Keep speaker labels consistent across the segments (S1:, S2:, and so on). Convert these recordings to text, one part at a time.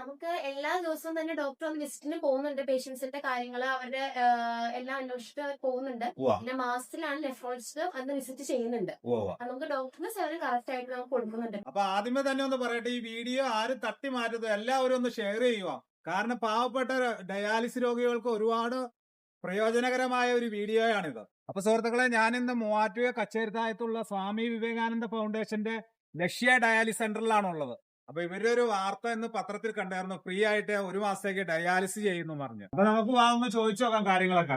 S1: നമുക്ക് എല്ലാ ദിവസവും തന്നെ ഡോക്ടർ ഒന്ന് വിസിറ്റിന് പോകുന്നുണ്ട്. പേഷ്യൻസിന്റെ കാര്യങ്ങൾ അവരുടെ എല്ലാം അന്വേഷിച്ചിട്ട് പോകുന്നുണ്ട്. പിന്നെ മാസത്തിലാണ് നെഫ്രോളജിസ്റ്റ് അന്ന് വിസിറ്റ് ചെയ്യുന്നുണ്ട്. നമുക്ക് ഡോക്ടറിന്റെ സേവനം കറക്റ്റ് ആയിട്ട് നമുക്ക് കൊടുക്കുന്നുണ്ട്.
S2: അപ്പൊ ആദ്യമേ തന്നെ ഒന്ന് പറയട്ടെ, ഈ വീഡിയോ ആരും തട്ടി മാറ്റരുത്, എല്ലാവരും ഒന്ന് ഷെയർ ചെയ്യുക. കാരണം പാവപ്പെട്ട ഡയാലിസിസ് രോഗികൾക്ക് ഒരുപാട് പ്രയോജനകരമായ ഒരു വീഡിയോയാണിത്. അപ്പൊ സുഹൃത്തുക്കളെ, ഞാനിന്ന് മൂവാറ്റുപുഴ കച്ചേരിത്തായത്തുള്ള സ്വാമി വിവേകാനന്ദ ഫൗണ്ടേഷന്റെ ലക്ഷ്യ ഡയാലിസിസ് സെന്ററിലാണുള്ളത്. അപ്പൊ ഇവരുടെ ഒരു വാർത്ത ഇന്ന് പത്രത്തിൽ കണ്ടായിരുന്നു, ഫ്രീ ആയിട്ട് 1 മാസത്തേക്ക് ഡയാലിസിസ് ചെയ്യുന്നു പറഞ്ഞു. അപ്പൊ നമുക്ക് വാങ്ങുന്ന ചോദിച്ചു നോക്കാം കാര്യങ്ങളൊക്കെ.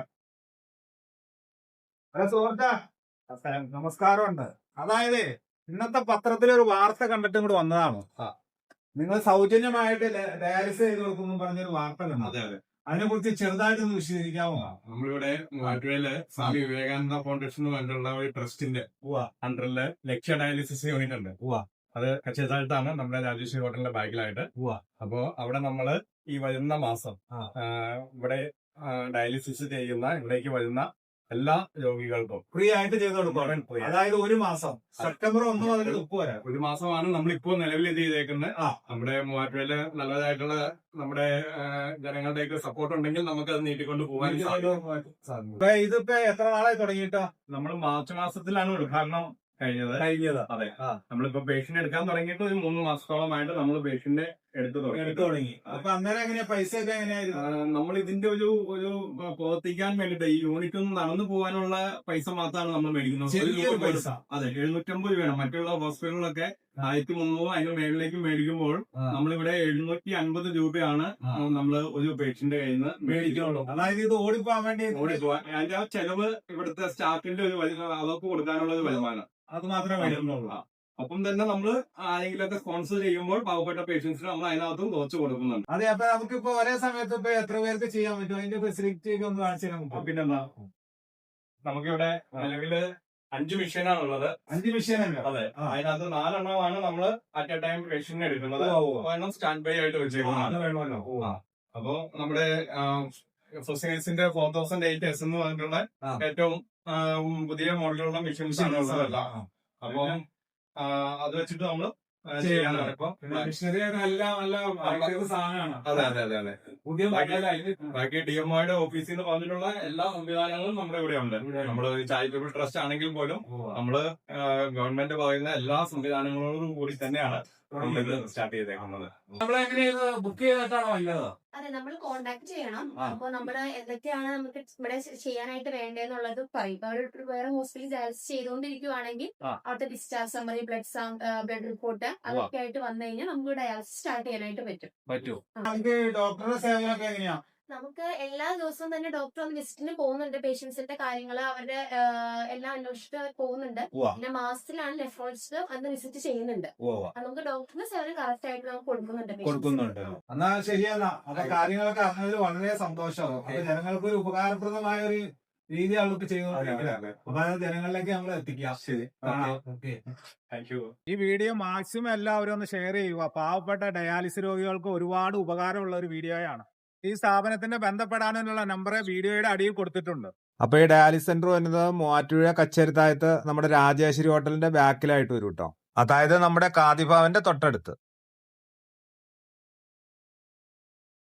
S2: അതെ സുഹൃത്താ, നമസ്കാരമുണ്ട്. അതായത് ഇന്നത്തെ പത്രത്തിൽ ഒരു വാർത്ത കണ്ടിട്ട് ഇങ്ങോട്ട് വന്നതാണ്. നിങ്ങൾ സൗജന്യമായിട്ട് ഡയാലിസിസ് ചെയ്ത് കൊടുക്കുന്നു പറഞ്ഞൊരു വാർത്ത കണ്ടു.
S3: അതെ അതെ,
S2: അതിനെ കുറിച്ച് ചെറുതായിട്ടൊന്ന് വിശദീകരിക്കാമോ?
S3: നമ്മളിവിടെ മൂവാറ്റുപുഴയില് സ്വാമി വിവേകാനന്ദ ഫൗണ്ടേഷൻ വേണ്ടിയുള്ള ഒരു ട്രസ്റ്റിന്റെ അണ്ടറില് ലക്ഷ്യ ഡയാലിസിസ് യൂണിറ്റ് ഉണ്ട്. അത് കച്ചേരിത്താഴത്താണ്, നമ്മുടെ രാജേശ്വരി ഹോട്ടലിന്റെ ബാക്കിലായിട്ട്. അപ്പോ അവിടെ നമ്മള് ഈ വരുന്ന മാസം ഇവിടെ ഡയാലിസിസ് ചെയ്യുന്ന ഇവിടേക്ക് വരുന്ന എല്ലാ രോഗികൾക്കും
S2: ഫ്രീ ആയിട്ട് ചെയ്ത് കൊടുക്കും. അതായത് 1 മാസം, സെപ്റ്റംബർ 1 മുതൽ 30 വരെ
S3: 1 മാസമാണ് നമ്മളിപ്പോ നിലവിൽ ഇത് ചെയ്തേക്കുന്നത്. നമ്മുടെ മൂവാറ്റുപുഴയില് നല്ലതായിട്ടുള്ള നമ്മുടെ ജനങ്ങളുടെയൊക്കെ സപ്പോർട്ട് ഉണ്ടെങ്കിൽ നമുക്ക് അത് നീട്ടിക്കൊണ്ട് പോകാൻ സാധിക്കും.
S2: ഇതിപ്പോ എത്ര നാളായി തുടങ്ങിയിട്ടാ?
S3: നമ്മൾ മാർച്ച് മാസത്തിലാണ് ഉദ്ഘാടനം കഴിഞ്ഞത്. അതെ, നമ്മളിപ്പോ പേഷ്യന്റ് എടുക്കാൻ തുടങ്ങിയിട്ട് ഒരു 3 മാസത്തോളമായിട്ട് നമ്മൾ പേഷ്യന്റ് എടുത്തു തുടങ്ങി.
S2: അപ്പൊ അന്നേരം എങ്ങനെയാ, പൈസ ഒക്കെ എങ്ങനെയായിരുന്നു?
S3: നമ്മൾ ഇതിന്റെ ഒരു പ്രവർത്തിക്കാൻ വേണ്ടിട്ട് ഈ യൂണിറ്റ് ഒന്ന് നടന്നു പോകാനുള്ള പൈസ മാത്രമാണ് നമ്മൾ മേടിക്കുന്നത്.
S2: പൈസ
S3: അതെ, 750 രൂപയാണ്. മറ്റുള്ള ഹോസ്പിറ്റലുകളൊക്കെ 1300 അതിന് മേളിലേക്ക് മേടിക്കുമ്പോൾ നമ്മളിവിടെ 750 രൂപയാണ് നമ്മൾ ഒരു പേഷ്യന്റ് കയ്യിൽ നിന്ന്
S2: മേടിക്കുള്ളൂ. അതായത് ഇത് ഓടിപ്പോവാൻ വേണ്ടി
S3: ഓടിപ്പോവാൻ അതിന്റെ ആ ചെലവ് ഇവിടുത്തെ സ്റ്റാഫിന്റെ ഒരു അവർക്ക് കൊടുക്കാനുള്ള ഒരു വരുമാനം
S2: അത് മാത്രമേ മേടിക്കുന്നുള്ളൂ.
S3: അപ്പം തന്നെ നമ്മൾ ആരെങ്കിലുമൊക്കെ സ്പോൺസർ ചെയ്യുമ്പോൾ പാവപ്പെട്ട പേഷ്യൻസിന് നമ്മൾ അതിനകത്തും കുറച്ച് കൊടുക്കുന്നുണ്ട്.
S2: അതെ, അപ്പൊ നമുക്കിപ്പോ ഒരേ സമയത്ത് ഇപ്പൊ എത്ര പേർക്ക് ചെയ്യാൻ പറ്റും? അതിന്റെ ഫെസിലിറ്റി ഒക്കെ ഒന്ന് കാണിച്ചു തരാൻ.
S3: പിന്നെന്താ, നമുക്കിവിടെ നിലവില് 5 മെഷീനാണ് ഉള്ളത്.
S2: 5 മെഷീനല്ലേ?
S3: അതെ, അതിനകത്ത് 4 എണ്ണമാണ് നമ്മള് അറ്റ് എ ടൈം പേഷ്യന്റ് എടുക്കുന്നത്. ഒരെണ്ണം സ്റ്റാൻഡ് ബൈ ആയിട്ട് വെച്ചേക്കുന്നത്. അപ്പോ നമ്മുടെ ഫൊസിനേഴ്സിന്റെ 4008S എന്ന് പറഞ്ഞിട്ടുള്ള ഏറ്റവും പുതിയ മോഡലുള്ള മെഷീൻസ് ആണ് ഉള്ളതല്ല. അപ്പൊ അത് വെച്ചിട്ട് നമ്മള് ചെയ്യാനാണ് ഇപ്പൊ.
S2: മിഷനറി എല്ലാം നല്ല സാധനമാണ്.
S3: അതെ അതെ അതെ അതെ,
S2: പുതിയ
S3: ബാക്കി DMOയുടെ ഓഫീസിൽ നിന്ന് പറഞ്ഞിട്ടുള്ള എല്ലാ സംവിധാനങ്ങളും നമ്മുടെ ഇവിടെ ഉണ്ട്. നമ്മള് ചാരിറ്റബിൾ ട്രസ്റ്റ് ആണെങ്കിൽ പോലും നമ്മള് ഗവൺമെന്റ് പറയുന്ന എല്ലാ സംവിധാനങ്ങളോടും കൂടി തന്നെയാണ് സ്റ്റാർട്ട് ചെയ്തേക്കുന്നത്.
S2: നമ്മളെങ്ങനെയാണ് ബുക്ക് ചെയ്തിട്ടാണോ വന്നത്?
S1: അതെ, നമ്മൾ കോണ്ടാക്ട് ചെയ്യണം. അപ്പൊ നമ്മള് എന്തൊക്കെയാണ് നമുക്ക് ഇവിടെ ചെയ്യാനായിട്ട് വേണ്ടതെന്നുള്ളത് പറയും. ഇപ്പൊ അവിടെ വേറെ ഹോസ്പിറ്റലിൽ ഡയാലിസിസ് ചെയ്തുകൊണ്ടിരിക്കുവാണെങ്കിൽ അവിടുത്തെ ഡിസ്ചാർജ് സമ്മറി, ബ്ലഡ് റിപ്പോർട്ട് അതൊക്കെ ആയിട്ട് വന്നു കഴിഞ്ഞാൽ നമുക്ക് ഡയാലിസിസ് സ്റ്റാർട്ട് ചെയ്യാനായിട്ട് പറ്റും.
S2: നമുക്ക് ഡോക്ടറുടെ സേവനമൊക്കെ എങ്ങനെയാ?
S1: നമുക്ക് എല്ലാ ദിവസവും തന്നെ ഡോക്ടർ ഒന്ന് വിസിറ്റിന് പോകുന്നുണ്ട്. പേഷ്യൻസിന്റെ കാര്യങ്ങൾ അവരുടെ എല്ലാം അന്വേഷിച്ചിട്ട് പോകുന്നുണ്ട്. പിന്നെ മാസത്തിലാണ് നെഫ്രോളജിസ്റ്റ് അന്ന് വിസിറ്റ് ചെയ്യുന്നുണ്ട്. നമുക്ക് ഡോക്ടറിന്റെ സേവനം കറക്റ്റ് ആയിട്ട് നമുക്ക് കൊടുക്കുന്നുണ്ട്.
S2: എന്നാ ശരിയല്ല, അപ്പൊ കാര്യങ്ങളൊക്കെ അറിഞ്ഞതിൽ വളരെ സന്തോഷമാണ്. അപ്പൊ ജനങ്ങൾക്ക് ഒരു ഉപകാരപ്രദമായ ഒരു രീതി അവർക്ക് ചെയ്യുന്നുണ്ട്. അപ്പൊ അത് ജനങ്ങളിലേക്ക് നമ്മൾ എത്തിക്കാം. ശരി,
S3: താങ്ക് യു.
S2: ഈ വീഡിയോ മാക്സിമം എല്ലാവരും ഒന്ന് ഷെയർ ചെയ്യുക. പാവപ്പെട്ട ഡയാലിസിസ് രോഗികൾക്ക് ഒരുപാട് ഉപകാരമുള്ള ഒരു വീഡിയോയാണ്. ഈ സ്ഥാപനത്തിന്റെ ബന്ധപ്പെടാനുള്ള നമ്പർ വീഡിയോയുടെ അടിയിൽ കൊടുത്തിട്ടുണ്ട്. അപ്പൊ ഈ ഡയാലിസിസ് സെന്റർ വരുന്നത് മൂവാറ്റുപുഴ കച്ചേരിത്തായത്ത് നമ്മുടെ രാജേശ്വരി ഹോട്ടലിന്റെ ബാക്കിലായിട്ട് വരും കേട്ടോ. അതായത് നമ്മുടെ കാദിഭാവന്റെ തൊട്ടടുത്ത്.